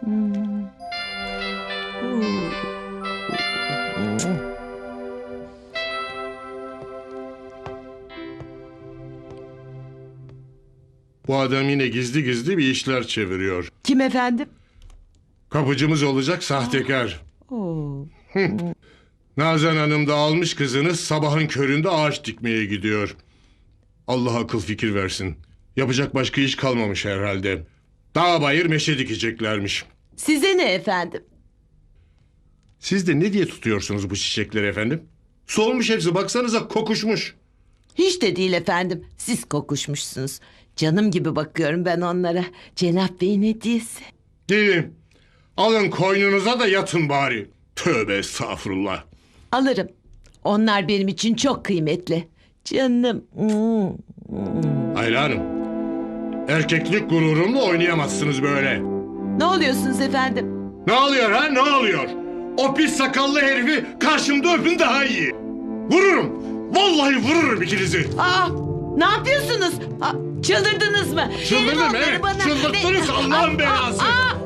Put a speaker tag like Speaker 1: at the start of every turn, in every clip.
Speaker 1: Bu adam yine gizli gizli bir işler çeviriyor.
Speaker 2: Kim efendim?
Speaker 1: Kapıcımız olacak sahtekar.
Speaker 2: Oo.
Speaker 1: Nazan Hanım da almış kızını, sabahın köründe ağaç dikmeye gidiyor. Allah akıl fikir versin. Yapacak başka iş kalmamış herhalde. Dağ bayır meşe dikeceklermiş.
Speaker 2: Size ne efendim?
Speaker 1: Siz de ne diye tutuyorsunuz bu çiçekleri efendim? Solmuş hepsi, baksanıza kokuşmuş.
Speaker 2: Hiç de değil efendim. Siz kokuşmuşsunuz. Canım gibi bakıyorum ben onlara. Cenap Bey'in hediyesi.
Speaker 1: Gelin, alın koynunuza da yatın bari. Tövbe estağfurullah.
Speaker 2: Alırım. Onlar benim için çok kıymetli. Canım.
Speaker 1: Ayla Hanım, erkeklik gururumla oynayamazsınız böyle.
Speaker 2: Ne oluyorsunuz efendim?
Speaker 1: Ne oluyor ha, ne oluyor? O pis sakallı herifi karşımda öpün daha iyi. Vururum, vallahi vururum ikinizi.
Speaker 2: Aa, ne yapıyorsunuz? Çıldırdınız mı?
Speaker 1: Çıldırdım,
Speaker 2: Verin onları
Speaker 1: evet.
Speaker 2: bana.
Speaker 1: Çıldırttınız Allah'ın belası.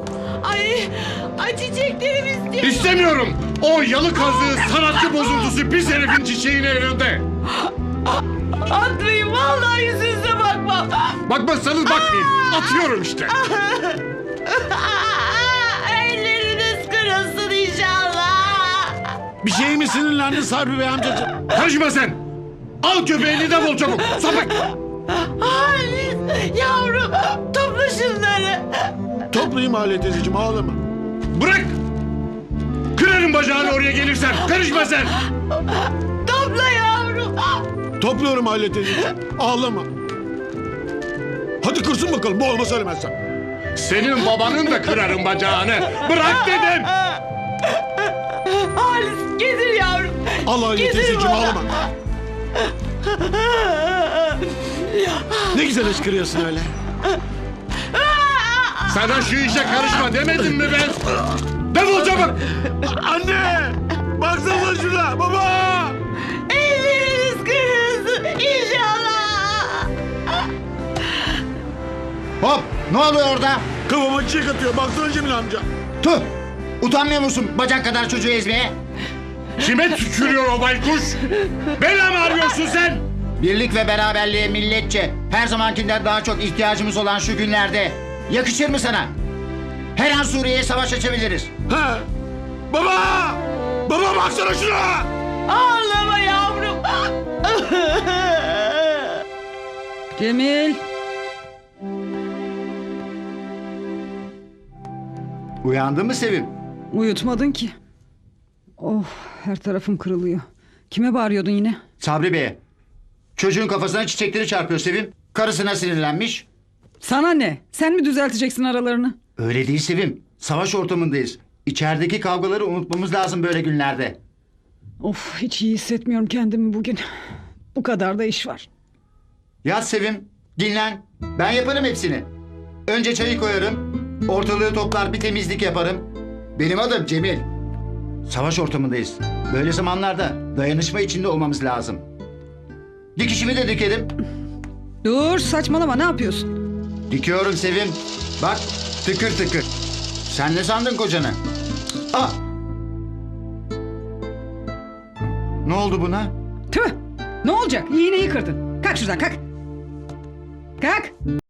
Speaker 2: Ay çiçeklerimi istiyorum.
Speaker 1: İstemiyorum. O yalı kazığı sanatçı bozuntusu pis herifin çiçeğini elinde.
Speaker 2: Atmayın vallahi yüzünüze bakmam.
Speaker 1: Bakmazsanız bakmayın. Atıyorum işte.
Speaker 2: Elleriniz kırılsın inşallah.
Speaker 3: Bir şey mi sinirlendin Sabri Bey amcacığım?
Speaker 1: Karışma sen. Al köpeğini de bul çabuk. Sapık.
Speaker 2: Halis yavrum topla şunları.
Speaker 3: Toplayayım Hale teyzeciğim, ağlama.
Speaker 1: Bırak. Kırarım bacağını oraya gelirsen. Karışma sen.
Speaker 2: Topla yavrum.
Speaker 3: Topluyorum Hale teyzeciğim, ağlama. Hadi kırsın bakalım, boğulma söylemezsen.
Speaker 1: Senin babanın da kırarım bacağını. Bırak dedim.
Speaker 2: Halis getir yavrum.
Speaker 3: Al Hale
Speaker 2: Getir
Speaker 3: teyzeciğim,
Speaker 2: bana.
Speaker 3: ağlama. Ne güzel ışkırıyorsun öyle.
Speaker 1: Sana şu işe karışma demedim mi ben? Defol çabuk.
Speaker 3: Anne! Baksana şuna, baba!
Speaker 2: Elleriniz kırılsın inşallah.
Speaker 4: Hop! Ne oluyor orada?
Speaker 3: Kafama çiçek atıyor, baksana Cemil amca.
Speaker 4: Tüh! Utanmıyor musun bacak kadar çocuğu ezmeye?
Speaker 1: Kime tükürüyor o baykuş? Bela mı arıyorsun sen?
Speaker 4: Birlik ve beraberliğe milletçe her zamankinden daha çok ihtiyacımız olan şu günlerde yakışır mı sana? Her an Suriye'ye savaş açabiliriz.
Speaker 3: Ha? Baba! Baba baksana şuna!
Speaker 2: Ağlama yavrum.
Speaker 5: Cemil.
Speaker 4: Uyandın mı Sevim?
Speaker 5: Uyutmadın ki. Oh, her tarafım kırılıyor. Kime bağırıyordun yine?
Speaker 4: Sabri Bey'e. Çocuğun kafasına çiçekleri çarpıyor Sevim. Karısına sinirlenmiş.
Speaker 5: Sana ne? Sen mi düzelteceksin aralarını?
Speaker 4: Öyle değil Sevim. Savaş ortamındayız. İçerideki kavgaları unutmamız lazım böyle günlerde.
Speaker 5: Of, hiç iyi hissetmiyorum kendimi bugün. Bu kadar da iş var.
Speaker 4: Yat Sevim. Dinlen. Ben yaparım hepsini. Önce çayı koyarım. Ortalığı toplar bir temizlik yaparım. Benim adım Cemil. Savaş ortamındayız. Böyle zamanlarda dayanışma içinde olmamız lazım. Dikişimi de dikerim.
Speaker 5: Dur, saçmalama, ne yapıyorsun?
Speaker 4: Dikiyorum Sevim. Bak tıkır tıkır. Sen ne sandın kocanı? Ah! Ne oldu buna?
Speaker 5: Tüh! Ne olacak? İğneyi kırdın. Kalk şuradan, kalk. Kalk!